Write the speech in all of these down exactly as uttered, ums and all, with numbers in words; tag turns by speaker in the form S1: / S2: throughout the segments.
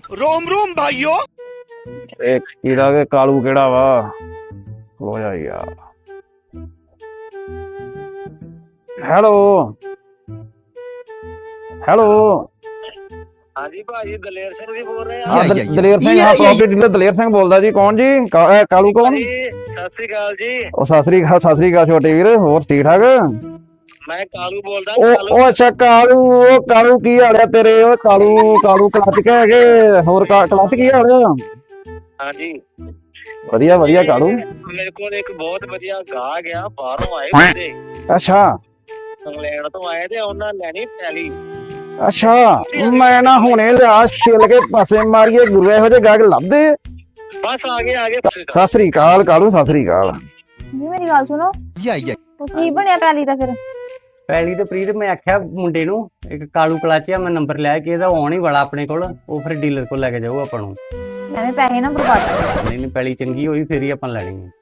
S1: रोम रोम भाइयों।
S2: एक कीड़ा के कालू केड़ा वा हो जा यार। हेलो हेलो
S3: हाँ जी भाजी दलेर सिंह जी बोल रहे हैं
S2: हाँ
S3: आप?
S2: दल- दलेर सिंह हाँ प्रॉपर्टी डीलर दलेर सिंह बोलदा जी। कौन जी का, अ, कालू कौन?
S3: जी सत श्री अकाल जी।
S2: ओ सत श्री अकाल सत श्री अकाल छोटे वीर, होर ठीक ठाक?
S3: मैं कालू बोल रहा
S2: ओ
S3: कालू।
S2: ओ अच्छा कालू, ओ कालू की हाल है तेरे? ओ कालू कालू क्लच के हैगे होर का क्लच की हाल है?
S3: हाँ जी
S2: ਵਧੀਆ ਵਧੀਆ ਕਾਲੂ।
S3: मेरे को एक बहुत बढ़िया गा गया बाहरों आए बंदे
S2: ਅੱਛਾ
S3: इंग्लैंड तो आए थे उन्होंने लेनी पैली।
S2: ਅੱਛਾ ਮੈਂ ਨਾ ਹੁਣੇ ਲਿਆ ਛਿੱਲ ਕੇ ਪਾਸੇ ਮਾਰੀਏ ਗੁਰੂ ਇਹੋ ਜਿਹੇ ਗਾਹਕ ਲੱਭਦੇ।
S3: बस आगे आगे
S2: ਸਤਿ ਸ੍ਰੀ ਅਕਾਲ ਕਾਲੂ, ਸਤਿ ਸ੍ਰੀ ਅਕਾਲ।
S4: ਜੀ ਮੇਰੀ ਗੱਲ ਸੁਣੋ, ਉਹ ਕੀ ਬਣਿਆ ਪੈਲੀ ਦਾ ਫਿਰ?
S5: ਪੈਲੀ ਤੇ ਪ੍ਰੀਤ ਮੈਂ ਆਖਿਆ ਮੁੰਡੇ ਨੂੰ ਇੱਕ ਕਾਲੂ ਕਲਾਚਿਆ ਮੈਂ ਨੰਬਰ ਲੈ ਕੇ ਇਹਦਾ ਆਉਣ ਹੀ ਵਾਲਾ ਆਪਣੇ ਕੋਲ, ਉਹ ਫਿਰ ਡੀਲਰ ਕੋਲ ਲੈ ਕੇ ਜਾਊ ਆਪਾਂ ਨੂੰ।
S4: ਐਵੇਂ ਪੈਸੇ ਨਾ ਬਰਬਾਦ ਕਰ।
S5: ਨਹੀਂ ਨਹੀਂ ਪੈਲੀ ਚੰਗੀ ਹੋਈ ਫਿਰ ਹੀ ਆਪਾਂ ਲੈਣੀ ਹੈ।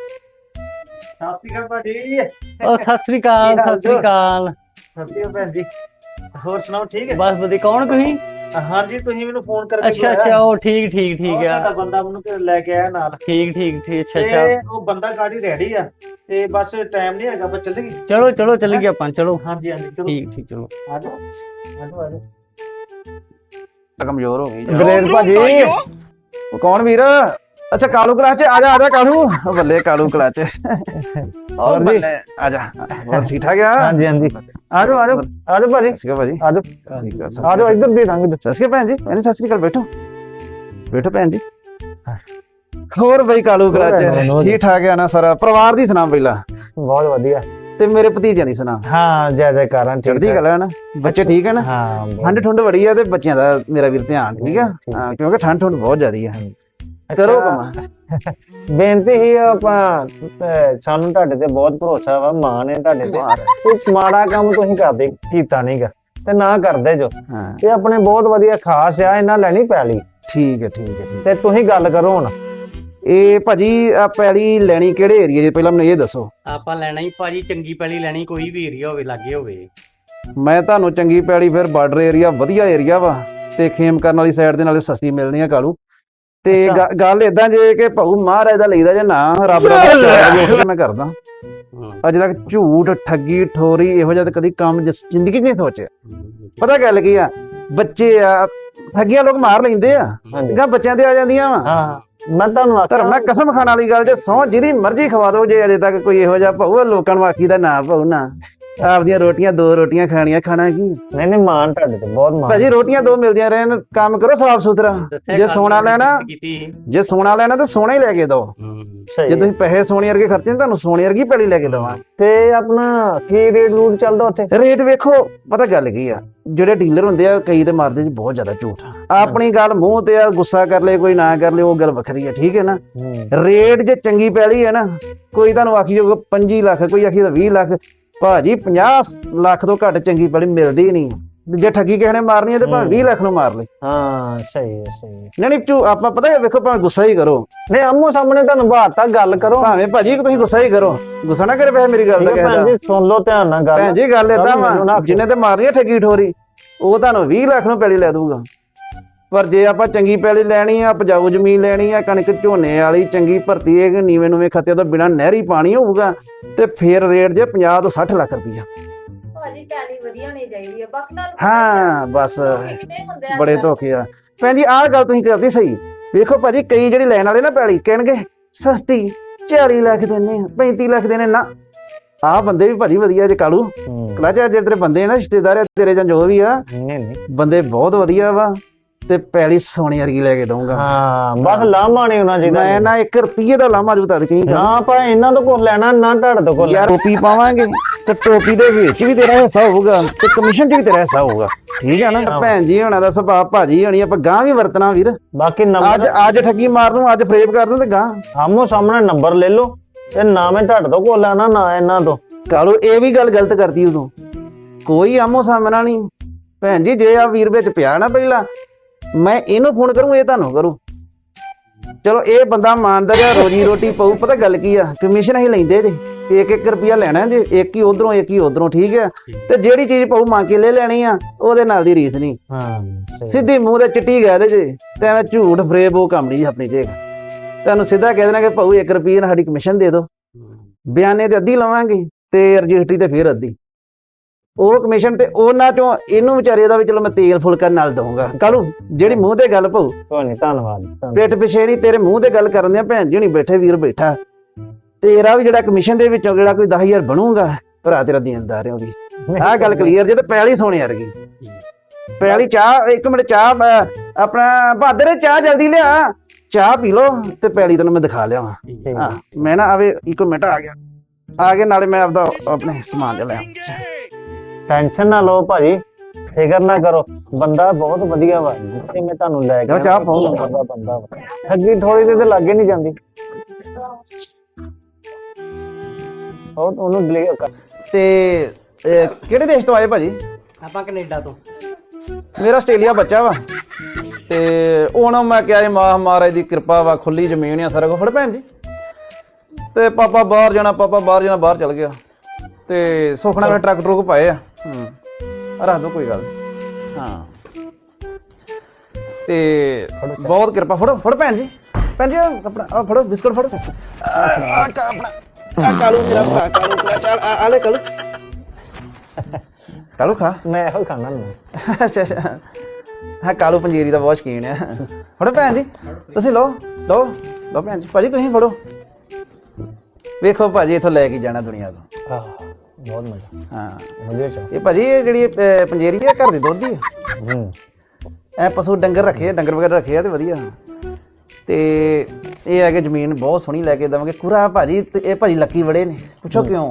S6: ਸਤਿ ਸ਼੍ਰੀ ਅਕਾਲ ਭਾਜੀ।
S5: ਉਹ ਸਤਿ ਸ੍ਰੀ ਅਕਾਲ ਸਤਿ ਸ੍ਰੀ ਅਕਾਲ।
S6: ਸਤਿ ਸ਼੍ਰੀ ਅਕਾਲ ਭੈਣ ਜੀ। ਹੋਰ ਸੁਣਾਓ ਠੀਕ ਹੈ?
S5: ਬਸ ਵਧੀਆ। ਕੌਣ ਤੁਸੀਂ?
S6: ਹਾਂਜੀ ਤੁਸੀਂ ਮੈਨੂੰ ਫੋਨ ਕਰਕੇ
S5: ਅੱਛਾ ਅੱਛਾ ਉਹ ਠੀਕ ਠੀਕ ਠੀਕ ਆ।
S6: ਤੁਹਾਡਾ ਬੰਦਾ ਮੈਨੂੰ ਘਰ ਲੈ ਕੇ ਆਇਆ ਨਾਲ।
S5: ਠੀਕ ਠੀਕ ਠੀਕ ਅੱਛਾ
S6: ਤੇ
S5: ਅੱਛਾ
S6: ਉਹ ਬੰਦਾ ਗਾੜੀ ਰੈਡੀ ਆ ਤੇ ਬਸ ਟਾਈਮ ਨਹੀਂ ਹੈਗਾ, ਬਸ ਚੱਲੇਗੀ।
S5: ਚਲੋ ਚਲੋ ਚੱਲ ਗਏ ਆਪਾਂ, ਚਲੋ
S6: ਹਾਂਜੀ ਹਾਂਜੀ ਚਲੋ
S5: ਠੀਕ ਠੀਕ ਚਲੋ।
S6: ਆ ਜਾਓ ਆ ਜਾਓ ਆ ਜਾਓ।
S2: ਕਮਜ਼ੋਰ ਹੋ ਗਈ
S1: रोम
S2: ਦਲੇਰ
S1: रोम
S2: ਭਾਜੀ।
S1: भाइयों।
S2: ਉਹ ਕੌਣ ਵੀਰ? ਅੱਛਾ ਕਾਲੂ ਕਲਾਚ ਆ ਜਾ ਆ ਜਾ ਕਾਲੂ। ਉਹ ਬੱਲੇ ਕਾਲੂ ਕਲਾਚ। ਹੋਰ
S6: ਜੀ?
S2: ਬੱਲੇ ਆ ਜਾ। ਹੋਰ ਠੀਕ ਠਾਕ ਆ?
S6: ਹਾਂਜੀ ਹਾਂਜੀ ਆ ਜਾਓ ਆ ਜਾਓ ਆ ਜਾਓ ਭਾਜੀ,
S2: ਸਤਿ ਸ਼੍ਰੀ ਅਕਾਲ ਭਾਜੀ।
S6: ਆ ਜਾਓ
S2: ਠੀਕ ਆ, ਸਤਿ
S6: ਆ ਜਾਓ ਇੱਧਰ ਦੇ ਰੰਗ।
S2: ਸਤਿ ਸ਼੍ਰੀ ਅਕਾਲ ਭੈਣ ਜੀ। ਭੈਣ ਜੀ ਸਤਿ ਸ਼੍ਰੀ ਅਕਾਲ, ਬੈਠੋ ਬੈਠੋ ਭੈਣ ਜੀ। ਹੋਰ ਬਈ ਕਾਲੂ ਕਲਾਚ ਠੀਕ ਠਾਕ ਆ ਨਾ? ਸਾਰਾ ਪਰਿਵਾਰ ਦੀ ਸੁਣਾ ਪਹਿਲਾਂ,
S6: ਬਹੁਤ ਵਧੀਆ।
S2: ਤੇ ਮੇਰੇ ਭਤੀਜਿਆਂ ਦੀ ਸੁਣਾ।
S6: ਹਾਂ ਜੈ ਜੈਕਾਰਾਂ
S2: ਚੜ੍ਹਦੀ ਕਲਾ ਹੈ ਨਾ? ਬੱਚੇ ਠੀਕ ਹੈ ਨਾ?
S6: ਹਾਂ
S2: ਠੰਡ ਠੁੰਡ ਬੜੀ ਆ ਤੇ ਬੱਚਿਆਂ ਦਾ ਮੇਰਾ ਵੀਰ ਧਿਆਨ ਠੀਕ ਆ। ਹਾਂ ਕਿਉਂਕਿ ਠੰਡ ਠੁੰਡ ਬਹੁਤ ਜ਼ਿਆਦੀ ਆ। ਕਰੋ ਕਮਾ।
S6: ਬੇਨਤੀ ਹੀ ਆਪਾਂ ਅਹ ਸਾਨੂੰ ਤੁਹਾਡੇ ਤੇ ਬਹੁਤ ਭਰੋਸਾ ਵਾ, ਮਾਣ ਹੈ ਤੁਹਾਡੇ ਤੇ। ਕੁਝ ਮਾੜਾ ਕੰਮ ਤੁਸੀਂ ਕਰਦੇ ਕੀਤਾ ਨਹੀਂਗਾ ਤੇ ਨਾ ਕਰਦੇ ਜੋ।
S2: ਹਾਂ
S6: ਇਹ ਆਪਣੇ ਬਹੁਤ ਵਧੀਆ ਖਾਸ ਆ, ਇਹਨਾਂ ਲੈਣੀ ਪੈਲੀ
S2: ਠੀਕ ਹੈ ਠੀਕ ਹੈ ਠੀਕ ਹੈ।
S6: ਤੇ ਤੁਸੀਂ ਗੱਲ ਕਰੋ ਹੁਣ।
S2: ਇਹ ਭਾਜੀ ਆ ਪੈਲੀ ਲੈਣੀ ਕਿਹੜੇ ਏਰੀਏ 'ਚ ਪਹਿਲਾਂ ਮੈਨੂੰ ਇਹ ਦੱਸੋ।
S5: ਆਪਾਂ ਲੈਣਾ ਹੀ ਭਾਜੀ ਚੰਗੀ ਪੈਲੀ ਲੈਣੀ, ਕੋਈ ਵੀ ਏਰੀਆ ਹੋਵੇ ਲਾਗੇ ਹੋਵੇ।
S2: ਮੈਂ ਤੁਹਾਨੂੰ ਚੰਗੀ ਪੈਲੀ ਫਿਰ ਬਾਰਡਰ ਏਰੀਆ ਵਧੀਆ ਏਰੀਆ ਵਾ ਤੇ ਖੇਮ ਕਰਨ ਵਾਲੀ ਸਾਈਡ ਦੇ ਨਾਲੇ ਸਸਤੀ ਮਿਲਣੀ ਆ ਕਾਲੂ। ਤੇ ਗ- ਗੱਲ ਏਦਾਂ ਜੇ ਕਿ ਭਾਊ ਮਹਾਰਾਜ ਦਾ ਲਈਦਾ ਜੇ ਨਾ ਰੱਬ ਦਾ ਜੋ ਮੈਂ ਕਰਦਾ। ਅੱਜ ਤੱਕ ਝੂਠ ਠੱਗੀ ਠੋਰੀ ਇਹੋ ਜਿਹਾ ਤਾਂ ਕਦੀ ਕੰਮ ਜਿਸ- ਜ਼ਿੰਦਗੀ 'ਚ ਨਹੀਂ ਸੋਚਿਆ। ਪਤਾ ਗੱਲ ਕੀ ਆ, ਬੱਚੇ ਆ ਠੱਗੀਆਂ ਲੋਕ ਮਾਰ ਲੈਂਦੇ ਆ,
S6: ਹਾਂਜੀ
S2: ਗਾ ਬੱਚਿਆਂ ਤੇ ਆ ਜਾਂਦੀਆਂ ਵਾ।
S6: ਹਾਂ ਮੈਂ ਤੁਹਾਨੂੰ
S2: ਧਰਮ ਨਾਲ ਕਸਮ ਖਾਣ ਵਾਲੀ ਗੱਲ ਜੇ ਸਹੁੰ ਜਿਹਦੀ ਮਰਜ਼ੀ ਖਵਾ ਦੋ, ਜੇ ਅਜੇ ਤੱਕ ਕੋਈ ਇਹੋ ਜਿਹਾ ਭਾਊ ਲੋਕਾਂ ਨੂੰ ਆਖੀਦਾ ਨਾ ਭਾਊ ਨਾ ਆਪਦੀਆਂ ਰੋਟੀਆਂ ਦੋ ਰੋਟੀਆਂ ਖਾਣੀਆਂ, ਖਾਣਾ ਕੀ
S6: ਨਹੀਂ ਨਹੀਂ ਮਾਣ ਤੁਹਾਡੇ ਤੇ ਬਹੁਤ ਮਾਣ।
S2: ਭਾਜੀ ਰੋਟੀਆਂ ਦੋ ਮਿਲਦੀਆਂ ਰਹਿਣ, ਕੰਮ ਕਰੋ ਸਾਫ ਸੁਥਰਾ। ਜੇ ਸੋਨਾ ਲੈਣਾ ਜੇ ਸੋਨਾ ਲੈਣਾ ਤਾਂ ਸੋਨਾ ਹੀ ਲੈ ਕੇ ਦੋ।
S6: ਸਹੀ
S2: ਜੇ ਤੁਸੀਂ ਪੈਸੇ ਸੋਨੇ ਵਰਗੇ ਖਰਚੇ ਨੇ ਤੁਹਾਨੂੰ ਸੋਨੇ ਵਰਗੀ ਪੈਲੀ ਲੈ ਕੇ ਦਵਾਂ।
S6: ਤੇ ਆਪਣਾ ਕੀ ਰੇਟ ਰੂਟ ਚੱਲਦਾ ਉੱਥੇ?
S2: ਰੇਟ ਵੇਖੋ, ਪਤਾ ਗੱਲ ਕੀ ਆ, ਜਿਹੜੇ ਡੀਲਰ ਹੁੰਦੇ ਆ ਕਈ ਤੇ ਮਾਰਦੇ ਜੀ ਬਹੁਤ ਜ਼ਿਆਦਾ ਝੂਠ। ਆਪਣੀ ਗੱਲ ਮੂੰਹ ਤੇ ਆ, ਗੁੱਸਾ ਕਰ ਲੈ ਕੋਈ ਨਾ ਕਰ ਲੈ ਉਹ ਗੱਲ ਵੱਖਰੀ ਆ, ਠੀਕ ਹੈ ਨਾ। ਰੇਟ ਜੇ ਚੰਗੀ ਪੈਲੀ ਹੈ ਨਾ, ਕੋਈ ਤੁਹਾਨੂੰ ਆਖੀ ਜਾਊਗਾ ਪੰਜੀ ਲੱਖ, ਕੋਈ ਆਖੀ ਤਾਂ ਵੀਹ ਲੱਖ। ਭਾਜੀ ਪੰਜਾਹ ਲੱਖ ਤੋਂ ਘੱਟ ਚੰਗੀ ਪੈਲੀ ਮਿਲਦੀ ਨਹੀਂ। ਜੇ ਠੱਗੀ ਕਿਸੇ ਨੇ ਮਾਰਨੀ ਹੈ ਤੇ ਭਾਵੇਂ ਵੀਹ ਲੱਖ ਨੂੰ ਮਾਰ ਲੈ।
S6: ਹਾਂ ਸਹੀ ਹੈ ਸਹੀ ਹੈ।
S2: ਨਹੀਂ ਨਹੀਂ ਝੂ ਆਪਾਂ ਪਤਾ ਹੈ ਵੇਖੋ, ਭਾਵੇਂ ਗੁੱਸਾ ਹੀ ਕਰੋ,
S6: ਨਹੀਂ ਆਮੋ ਸਾਹਮਣੇ ਤੁਹਾਨੂੰ ਬਾਤ ਤਾਂ ਗੱਲ ਕਰੋ।
S2: ਭਾਵੇਂ ਭਾਜੀ ਤੁਸੀਂ ਗੁੱਸਾ ਹੀ ਕਰੋ, ਗੁੱਸਾ ਨਾ ਕਰੇ ਵੈਸੇ ਮੇਰੀ ਗੱਲ ਦਾ
S6: ਭੈਣ
S2: ਕਹਿਦਾ।
S6: ਜੀ ਸੁਣ ਲਓ ਧਿਆਨ ਨਾਲ ਗੱਲ।
S2: ਭੈਣ ਜੀ ਗੱਲ ਏਦਾਂ
S6: ਮੈਨੂੰ ਨਾ
S2: ਵਾ,
S6: ਆਖਿਓ।
S2: ਜਿਹਨੇ ਤੇ ਮਾਰਨੀ ਹੈ ਠੱਗੀ ਠੋਰੀ ਉਹ ਤੁਹਾਨੂੰ ਵੀਹ ਲੱਖ ਨੂੰ ਪੈਲੀ ਲੈ ਦੂਗਾ। ਪਰ ਜੇ ਆਪਾਂ ਚੰਗੀ ਪੈਲੀ ਲੈਣੀ ਆ, ਉਪਜਾਊ ਜ਼ਮੀਨ ਲੈਣੀ ਆ, ਕਣਕ ਝੋਨੇ ਵਾਲੀ ਚੰਗੀ ਭਰਤੀ ਹੈ, ਨੀਵੇਂ ਨੂਵੇਂ ਖੱਤੇ ਤੋਂ ਬਿਨਾਂ ਨਹਿਰੀ ਪਾਣੀ ਹੋਊਗਾ, ਤੇ ਫਿਰ ਰੇਟ ਜੇ ਪੰਜਾਹ ਤੋਂ ਸੱਠ ਲੱਖ ਰੁਪਈਆ।
S4: ਭਾਜੀ ਪੈਲੀ ਵਧੀਆ ਹੋਣੀ ਚਾਹੀਦੀ ਹੈ, ਬਾਕੀ ਤਾਂ
S2: ਹਾਂ ਬਸ
S4: ਕਿੰਨੇ ਹੁੰਦੇ ਆ
S2: ਬੜੇ ਧੋਖੇ ਆ। ਭੈਣ ਜੀ ਆਹ ਗੱਲ ਤੁਸੀਂ ਕਰਦੇ ਸਹੀ। ਵੇਖੋ ਭਾਜੀ ਕਈ ਜਿਹੜੀ ਲੈਣ ਵਾਲੇ ਨਾ ਪੈਲੀ ਕਹਿਣਗੇ ਸਸਤੀ ਚਾਲੀ ਲੱਖ ਦਿੰਦੇ ਆ, ਪੈਂਤੀ ਲੱਖ ਦੇਣੇ ਨਾ। ਆਹ ਬੰਦੇ ਵੀ ਭਾਜੀ ਵਧੀਆ ਜੇ ਕਾਲੂ ਕਲਾਚ, ਜਿਹੜੇ ਤੇਰੇ ਬੰਦੇ ਨਾ ਰਿਸ਼ਤੇਦਾਰ ਆ ਤੇਰੇ ਜਾਂ ਜੋ ਵੀ ਆ,
S6: ਨਹੀਂ ਨਹੀਂ
S2: ਬੰਦੇ ਬਹੁਤ ਵਧੀਆ ਵਾ ਤੇ ਪੈਲੀ ਸੋਨੇ ਵਰਗੀ ਲੈ ਕੇ ਦਊਂਗਾ।
S6: ਹਾਂ ਬਸ ਲਾਮਾ ਨਹੀਂ ਹੋਣਾ ਚਾਹੀਦਾ।
S2: ਮੈਂ ਨਾ ਇੱਕ ਰੁਪਈਏ ਦਾ ਲਾਮਾ ਜੂ ਤਦ ਕਹੀਂ
S6: ਨਾ ਆਪਾਂ ਇਹਨਾਂ ਤੋਂ ਕੁਝ ਲੈਣਾ ਨਾ ਤੁਹਾਡੇ ਤੋਂ ਕੁਝ
S2: ਯਾਰ ਟੋਪੀ ਪਾਵਾਂਗੇ ਤੇ ਟੋਪੀ ਦੇ ਵਿੱਚ ਵੀ ਤੇਰਾ ਹਿੱਸਾ ਹੋਊਗਾ ਤੇ ਕਮਿਸ਼ਨ 'ਚ ਵੀ ਤੇਰਾ ਹਿੱਸਾ ਹੋਊਗਾ, ਠੀਕ ਆ ਨਾ। ਭੈਣ ਜੀ ਹੋਣਾ ਦਾ ਸੁਭਾਅ ਭਾਜੀ ਹੋਣੀ, ਆਪਾਂ ਗਾਂ ਵੀ ਵਰਤਣਾ ਵੀਰ।
S6: ਬਾਕੀ
S2: ਅੱਜ
S6: ਨੰਬਰ
S2: ਅੱਜ ਠੱਗੀ ਮਾਰ ਨੂੰ, ਅੱਜ ਫਰੇਬ ਕਰ ਦੂੰ ਤੇ ਗਾਂ
S6: ਆਮੋ ਸਾਹਮਣੇ ਨੰਬਰ ਲੈ ਲਓ ਤੇ ਨਾ ਮੈਂ ਤੁਹਾਡੇ ਤੋਂ ਕੁਝ ਲੈਣਾ ਨਾ ਇਹਨਾਂ ਤੋਂ।
S2: ਕਾਲੂ ਇਹ ਵੀ ਗੱਲ ਗਲਤ ਕਰਦੀ ਉਦੋਂ, ਕੋਈ ਆਮੋ ਸਾਹਮਣਾ ਨਹੀਂ। ਭੈਣ ਜੀ ਜੇ ਆ ਵੀਰ ਵਿੱਚ ਪਿਆ ਨਾ ਪਹਿਲਾਂ, ਮੈਂ ਇਹਨੂੰ ਫੋਨ ਕਰੂੰ ਇਹ ਤੁਹਾਨੂੰ ਕਰੂ। ਚਲੋ ਇਹ ਬੰਦਾ ਇਮਾਨਦਾਰ ਆ, ਰੋਜੀ ਰੋਟੀ ਪਾਉ। ਪਤਾ ਗੱਲ ਕੀ ਆ, ਕਮਿਸ਼ਨ ਅਸੀਂ ਲੈਂਦੇ ਜੇ ਇੱਕ ਇੱਕ ਰੁਪਿਆ ਲੈਣਾ ਜੇ, ਇੱਕ ਹੀ ਉਧਰੋਂ ਇੱਕ ਹੀ ਉਧਰੋਂ, ਠੀਕ ਆ। ਤੇ ਜਿਹੜੀ ਚੀਜ਼ ਪਾਉ ਮੰਗ ਕੇ ਲੈ ਲੈਣੀ ਆ, ਉਹਦੇ ਨਾਲ ਦੀ ਰੀਸ ਨਹੀਂ।
S6: ਹਾਂ
S2: ਸਿੱਧੀ ਮੂੰਹ ਤੇ ਚਿੱਟੀ ਕਹਿ ਦੇ ਜੇ ਤੇ ਐਵੇਂ ਝੂਠ ਫਰੇਬ ਉਹ ਕੰਮ ਨਹੀਂ ਆਪਣੀ ਜੇਗ। ਤੁਹਾਨੂੰ ਸਿੱਧਾ ਕਹਿ ਦੇਣਾ ਕਿ ਭਾਊ ਇੱਕ ਰੁਪਈਏ ਨਾਲ ਸਾਡੀ ਕਮਿਸ਼ਨ ਦੇ ਦਿਓ, ਬਿਆਨੇ ਤੇ ਅੱਧੀ ਲਵਾਂਗੇ ਤੇ ਰਜਿਸਟਰੀ ਤੇ ਫਿਰ ਅੱਧੀ। ਉਹ ਕਮਿਸ਼ਨ ਤੇ ਉਹਨਾਂ ਚੋਂ ਇਹਨੂੰ ਵਿਚਾਰੇ ਦਾ ਵੀ ਚਲੋ ਮੈਂ ਤੇਲ ਫੁਲਕਾ ਨਾਲ ਦਊਂਗਾ। ਕਾਲੂ ਜਿਹੜੀ ਮੂੰਹ ਤੇ ਗੱਲ ਭਾਊ,
S6: ਕੋਈ ਨਹੀਂ, ਧੰਨਵਾਦ ਧੰਨਵਾਦ।
S2: ਪਿੱਠ ਪਿਛੇ ਨਹੀਂ, ਤੇਰੇ ਮੂੰਹ ਤੇ ਗੱਲ ਕਰਨ ਦਿਆਂ ਭੈਣ ਜੀ ਹੁਣੀ ਬੈਠੇ, ਵੀਰ ਬੈਠਾ, ਤੇਰਾ ਵੀ ਜਿਹੜਾ ਕਮਿਸ਼ਨ ਦੇ ਵਿੱਚੋਂ ਜਿਹੜਾ ਕੋਈ ਦਸ ਹਜ਼ਾਰ ਬਣੂਗਾ, ਭਰਾ ਤੇਰਾ ਦੇਣਦਾਰ ਹੋ ਵੀ। ਆਹ ਗੱਲ ਕਲੀਅਰ ਜੇ। ਤੇ ਪੈਲੀ ਸੋਹਣੀ ਵਰਗੀ ਪੈਲੀ। ਚਾਹ ਇੱਕ ਮਿੰਟ, ਚਾਹ ਅਹ, ਆਪਣਾ ਬਹਾਦਰ ਚਾਹ ਜਲਦੀ ਲਿਆ, ਚਾਹ ਪੀ ਲੋ ਤੇ ਪੈਲੀ ਤੈਨੂੰ ਮੈਂ ਦਿਖਾ ਲਿਆ। ਹਾਂ ਮੈਂ ਨਾ ਆਵੇ ਇੱਕ ਮਿੰਟ ਆ ਗਿਆ ਆ ਗਿਆ ਨਾਲੇ ਮੈਂ ਆਪਦਾ ਆਪਣੇ ਸਮਾਨ ਜਿਹਾ ਲੈ ਆਵਾਂ।
S6: ਟੈਨਸ਼ਨ ਨਾ ਲਓ ਭਾਜੀ, ਫਿਕਰ ਨਾ ਕਰੋ, ਬੰਦਾ ਬਹੁਤ ਵਧੀਆ ਵਾ। ਜਿੱਥੇ ਮੈਂ ਤੁਹਾਨੂੰ ਲੈ ਕੇ
S2: ਚਾਹ ਪਾਓ।
S6: ਬੰਦਾ ਬੰਦਾ ਵਾ, ਠੱਗੀ ਥੋੜੀ ਦੇ ਤੇ ਲਾਗੇ ਨਹੀਂ ਜਾਂਦੀ। ਉਹ ਉਹਨੂੰ ਡਿਲੀਵਰ ਕਰ।
S2: ਤੇ ਅਹ, ਕਿਹੜੇ ਦੇਸ਼ ਤੋਂ ਆਏ ਭਾਜੀ?
S5: ਆਪਾਂ ਕੈਨੇਡਾ ਤੋਂ।
S2: ਮੇਰਾ ਆਸਟ੍ਰੇਲੀਆ ਬੱਚਾ ਵਾ ਤੇ ਹੁਣ ਮੈਂ ਕਿਹਾ ਜੀ ਮਾਂ ਮਹਾਰਾਜ ਦੀ ਕਿਰਪਾ ਵਾ, ਖੁੱਲੀ ਜ਼ਮੀਨ ਆ ਸਾਰਾ ਕੁਝ। ਫੜ ਭੈਣ ਜੀ, ਤੇ ਪਾਪਾ ਬਾਹਰ ਜਾਣਾ, ਪਾਪਾ ਬਾਹਰ ਜਾਣਾ, ਬਾਹਰ ਚਲ ਗਿਆ ਤੇ ਸੁਖਣਾ ਨੇ ਟਰੱਕ ਟਰੁੱਕ ਪਾਏ ਆ। ਹੂੰ ਰੱਖ ਦੋ, ਕੋਈ ਗੱਲ ਨੀ। ਹਾਂ ਤੇ ਬਹੁਤ ਕਿਰਪਾ। ਫੜੋ ਫੜੋ ਭੈਣ ਜੀ, ਭੈਣ ਜੀ ਆਪਣਾ ਆਹ ਫੜੋ ਬਿਸਕੁਟ ਫੜੋ। ਆਹ ਕਾ- ਆਪਣਾ ਆਹ ਕਾਲੂ ਮੇਰਾ ਭਰਾ, ਕਾਲੂ ਭਰਾ, ਚੱਲ ਆ ਆ ਲੈ ਕਾਲੂ, ਕਾਲੂ ਖਾ।
S6: ਮੈਂ ਇਹੋ ਖਾਣਾ ਨੂੰ।
S2: ਅੱਛਾ ਅੱਛਾ, ਹਾਂ ਕਾਲੂ ਪੰਜੀਰੀ ਦਾ ਬਹੁਤ ਸ਼ੌਕੀਨ ਆ। ਫੜੋ ਭੈਣ ਜੀ, ਤੁਸੀਂ ਲਓ ਲਓ ਲਓ ਭੈਣ ਜੀ। ਭਾਜੀ ਤੁਸੀਂ ਫੜੋ, ਵੇਖੋ ਭਾਜੀ ਇੱਥੋਂ ਲੈ ਕੇ ਜਾਣਾ ਦੁਨੀਆ ਤੋਂ।
S6: ਆਹ ਬਹੁਤ ਮਜ਼ਾ।
S2: ਹਾਂ
S6: ਵਧੀਆ ਚਾਹ।
S2: ਇਹ ਭਾਜੀ ਇਹ ਜਿਹੜੀ ਅਹ, ਪੰਜੀਰੀ ਆ ਘਰ ਦੀ ਦੁੱਧ ਦੀ ਆ।
S6: ਹੂੰ
S2: ਐ ਪਸ਼ੂ ਡੰਗਰ ਰੱਖੇ ਆ, ਡੰਗਰ ਵਗੈਰਾ ਰੱਖੇ ਆ ਤੇ ਵਧੀਆ। ਤੇ ਇਹ ਹੈ ਕਿ ਜ਼ਮੀਨ ਬਹੁਤ ਸੋਹਣੀ ਲੈ ਕੇ ਦੇਵਾਂਗੇ। ਕੁਰਾ ਭਾਜੀ ਤੇ ਇਹ ਭਾਜੀ ਲੱਕੀ ਬੜੇ ਨੇ, ਪੁੱਛੋ ਕਿਉਂ?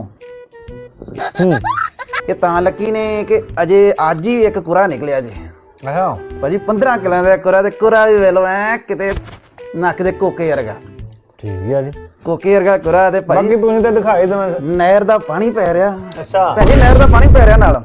S6: ਹੂੰ
S2: ਇਹ ਤਾਂ ਲੱਕੀ ਨੇ ਕਿ ਅਜੇ ਅੱਜ ਹੀ ਇੱਕ ਕੁਰਾ ਨਿਕਲਿਆ ਜੇ
S6: ਆਹ
S2: ਭਾਜੀ, ਪੰਦਰਾਂ ਕਿੱਲਿਆਂ ਦਾ ਕੁਰਾ। ਤੇ ਕੁਰਾ ਵੀ ਵੇਲੋ ਐ ਕਿਤੇ ਨੱਕ ਦੇ ਕੋਕੇ ਵਰਗਾ,
S6: ਠੀਕ ਆ ਜੀ।
S2: ਕੋਕੇ ਵਰਗਾ ਕੁਰਾ। ਤੇ ਭਾਜੀ
S6: ਬਾਕੀ ਤੁਸੀਂ ਤਾਂ ਦਿਖਾਈ ਦੇਣਾ।
S2: ਨਹਿਰ ਦਾ ਪਾਣੀ ਪੈ ਰਿਹਾ
S6: ਅੱਛਾ
S2: ਭਾਜੀ, ਨਹਿਰ ਦਾ ਪਾਣੀ ਪੈ ਰਿਹਾ ਨਾਲ,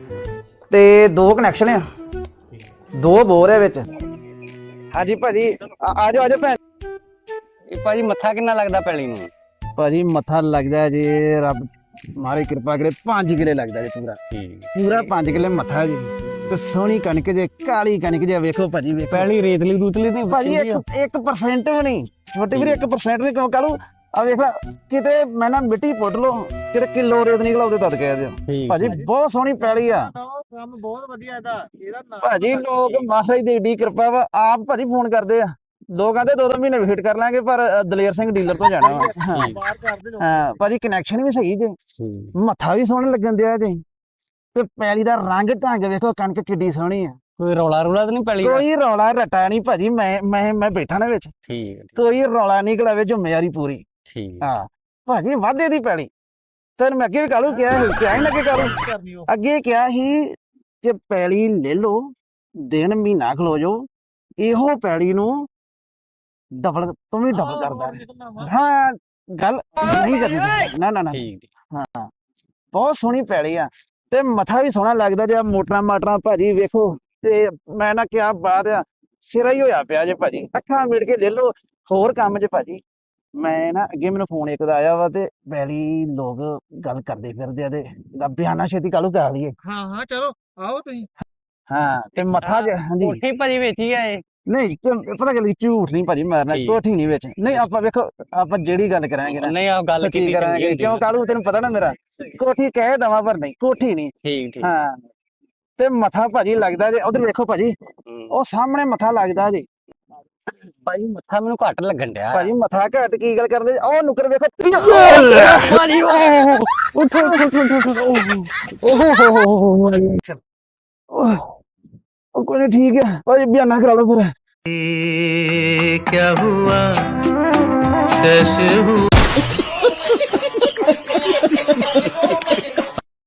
S2: ਤੇ ਦੋ ਕਨੈਕਸ਼ਨ ਆ, ਦੋ ਬੋਰ ਹੈ ਵਿੱਚ। ਹਾਂਜੀ ਭਾਜੀ ਆ ਜਾਓ ਆ ਜਾਓ ਭੈਣ।
S5: ਇਹ ਭਾਜੀ ਮੱਥਾ ਕਿੰਨਾ ਲੱਗਦਾ ਪੈਲੀ ਨੂੰ?
S2: ਭਾਜੀ ਮੱਥਾ ਲੱਗਦਾ ਜੇ ਰੱਬ ਮਾਰੇ ਕਿਰਪਾ ਕਰੇ ਪੰਜ ਕਿੱਲੇ ਲੱਗਦਾ ਜੇ ਪੂਰਾ
S5: ਠੀਕ।
S2: ਪੂਰਾ ਪੰਜ ਕਿੱਲੇ ਮੱਥਾ ਜੀ। ਤੇ ਸੋਹਣੀ ਕਣਕ ਜੇ, ਕਾਲੀ ਕਣਕ ਜੇ, ਵੇਖੋ ਭਾਜੀ ਵੇਖੋ।
S5: ਪੈਲੀ ਰੇਤਲੀ ਦੂਤਲੀ ਤੇ
S2: ਭਾਜੀ ਇੱਕ ਇੱਕ ਪਰਸੈਂਟ ਵੀ ਨਹੀਂ, ਛੋਟੇ ਵੀਰੇ ਇੱਕ ਪਰਸੈਂਟ ਵੀ ਕਿਉਂ ਕਾਲੂ। ਆ ਵੇਖ ਲੈ ਕਿਤੇ ਮੈਂ ਨਾ ਮਿੱਟੀ ਪੁੱਟ ਲੋ, ਕਿਤੇ ਕਿਲੋ ਰੇਤ ਨਿਕਲਾ ਉਹਦੇ ਤਦ ਕਹਿ ਦਿਓ। ਭਾਜੀ ਬਹੁਤ ਸੋਹਣੀ ਪੈਲੀ ਆ,
S6: ਕੰਮ ਬਹੁਤ ਵਧੀਆ ਇਹਦਾ। ਇਹਦਾ
S2: ਭਾਜੀ ਲੋਕ ਮਹਾਰਾਜ ਦੀ ਏਡੀ ਕਿਰਪਾ ਵਾ, ਆਪ ਭਾਜੀ ਫੋਨ ਕਰਦੇ ਆ, ਲੋਕ ਕਹਿੰਦੇ ਦੋ ਦੋ ਮਹੀਨੇ ਵੇਟ ਕਰ ਲਾਂਗੇ, ਪਰ ਅ, ਦਲੇਰ ਸਿੰਘ ਡੀਲਰ ਤੋਂ ਜਾਣਾ ਵਾ। ਹਾਂ ਹਾਂ ਭਾਜੀ ਕਨੈਕਸ਼ਨ ਵੀ ਸਹੀ ਜੇ, ਮੱਥਾ ਵੀ ਸੋਹਣਾ ਲੱਗਣ ਦਿਆ ਜੇ, ਤੇ ਪੈਲੀ ਦਾ ਰੰਗ ਢੰਗ ਵੇਖੋ, ਕਣਕ ਕਿੱਡੀ ਸੋਹਣੀ ਆ।
S5: ਕੋਈ ਰੌਲਾ ਰੌਲਾ ਤਾਂ ਨਹੀਂ ਪੈਲੀ ਦਾ?
S2: ਕੋਈ ਰੌਲਾ ਰੱਟਾ ਨਹੀਂ ਭਾਜੀ, ਮੈਂ ਮੈਂ ਮੈਂ ਬੈਠਾ ਨਾ ਵਿੱਚ,
S5: ਠੀਕ
S2: ਕੋਈ ਰੌਲਾ ਨਹੀਂ ਕਲਾਵੇ, ਜ਼ਿੰਮੇਵਾਰੀ ਪੂਰੀ।
S5: ਠੀਕ।
S2: ਹਾਂ ਭਾਜੀ ਵਾਧੇ ਦੀ ਪੈਲੀ। ਤੈਨੂੰ ਮੈਂ ਅੱਗੇ ਵੀ ਕਾਲੂ ਕਿਹਾ ਸੀ, ਕਿਹਾ ਹੀ ਲੱਗੇ ਕਾਲੂ ਅੱਗੇ ਕਿਹਾ ਸੀ ਕਿ ਪੈਲੀ ਲੈ ਲਓ, ਦਿਨ ਮਹੀਨਾ ਖਲੋ ਜਾਓ, ਇਹੋ ਪੈਲੀ ਨੂੰ ਡਬਲ ਤੂੰ ਵੀ ਡਬਲ ਕਰਦਾ। ਹਾਂ ਗੱਲ ਨਹੀਂ ਕਰਨੀ, ਨਾ ਨਾ ਨਾ। ਹਾਂ ਬਹੁਤ ਸੋਹਣੀ ਪੈਲੀ ਆ, ਤੇ ਮੱਥਾ ਵੀ ਸੋਹਣਾ ਲੱਗਦਾ ਜੇ। ਮੋਟਰਾਂ ਮਾਟਰਾਂ ਭਾਜੀ ਵੇਖੋ, ਤੇ ਮੈਂ ਨਾ ਕਿਹਾ ਬਾਤ ਆ, ਸਿਰਾ ਹੀ ਹੋਇਆ ਪਿਆ ਜੇ ਭਾਜੀ। ਅੱਖਾਂ ਮਿੜ ਕੇ ਲੈ ਲਓ, ਹੋਰ ਕੰਮ ਜੇ ਭਾਜੀ। ਮੈਂ ਨਾ ਅੱਗੇ ਮੈਨੂੰ ਫੋਨ ਇੱਕ ਦਾ ਆਇਆ ਵਾ, ਤੇ ਪਹਿਲੀ ਲੋਕ ਗੱਲ ਕਰਦੇ ਫਿਰਦੇ ਆ, ਤੇ ਬਿਆਨਾ ਛੇਤੀ ਕਾਲੂ ਕਰਾ ਲਈਏ।
S1: ਹਾਂ ਹਾਂ ਚਲੋ ਆਓ ਤੁਸੀਂ।
S2: ਹਾਂ ਤੇ ਮੱਥਾ ਜੇ ਹਾਂਜੀ
S5: ਕੋਠੀ ਭਾਜੀ ਵੇਚੀ ਆ ਇਹ?
S2: ਨਹੀਂ ਪਤਾ ਗੱਲ ਝੂਠ ਨਹੀਂ ਭਾਜੀ ਮਾਰਨਾ, ਕੋਠੀ ਨਹੀਂ ਵਿੱਚ ਨਹੀਂ। ਆਪਾਂ ਵੇਖੋ ਆਪਾਂ ਜਿਹੜੀ ਗੱਲ ਕਰਾਂਗੇ ਨਾ,
S5: ਨਹੀਂ ਆ ਗੱਲ
S2: ਸੱਚੀ
S5: ਕੀਤੀ
S2: ਕਰਾਂਗੇ, ਕਿਉਂ ਕਾਲੂ ਤੈਨੂੰ ਪਤਾ ਨਾ ਮੇਰਾ ਕੋਠੀ ਕਹਿ ਦਵਾਂ ਪਰ ਨਹੀਂ, ਕੋਠੀ ਨਹੀਂ।
S5: ਠੀਕ ਠੀਕ।
S2: ਹਾਂ ਤੇ ਮੱਥਾ ਭਾਜੀ ਲੱਗਦਾ ਜੇ, ਉਧਰ ਵੇਖੋ ਭਾਜੀ, ਉਹ ਸਾਹਮਣੇ ਮੱਥਾ ਲੱਗਦਾ ਜੀ।
S5: ਭਾਜੀ ਮੱਥਾ ਮੈਨੂੰ ਘੱਟ ਲੱਗਣ ਡਿਆ
S2: ਭਾਜੀ ਮੱਥਾ ਘੱਟ ਕੀ ਗੱਲ ਕਰਦੇ? ਉਹ ਨੁਕਰ ਵੇਖੋ
S5: ਭਾਜੀ। ਉੱਠੋ
S2: ਉਹ ਕੋਈ ਨਹੀਂ, ਠੀਕ ਹੈ ਭਾਜੀ, ਬਿਆਨਾ ਕਰਾ ਲਓ ਫਿਰ।
S1: क्या हुआ कैसे हुआ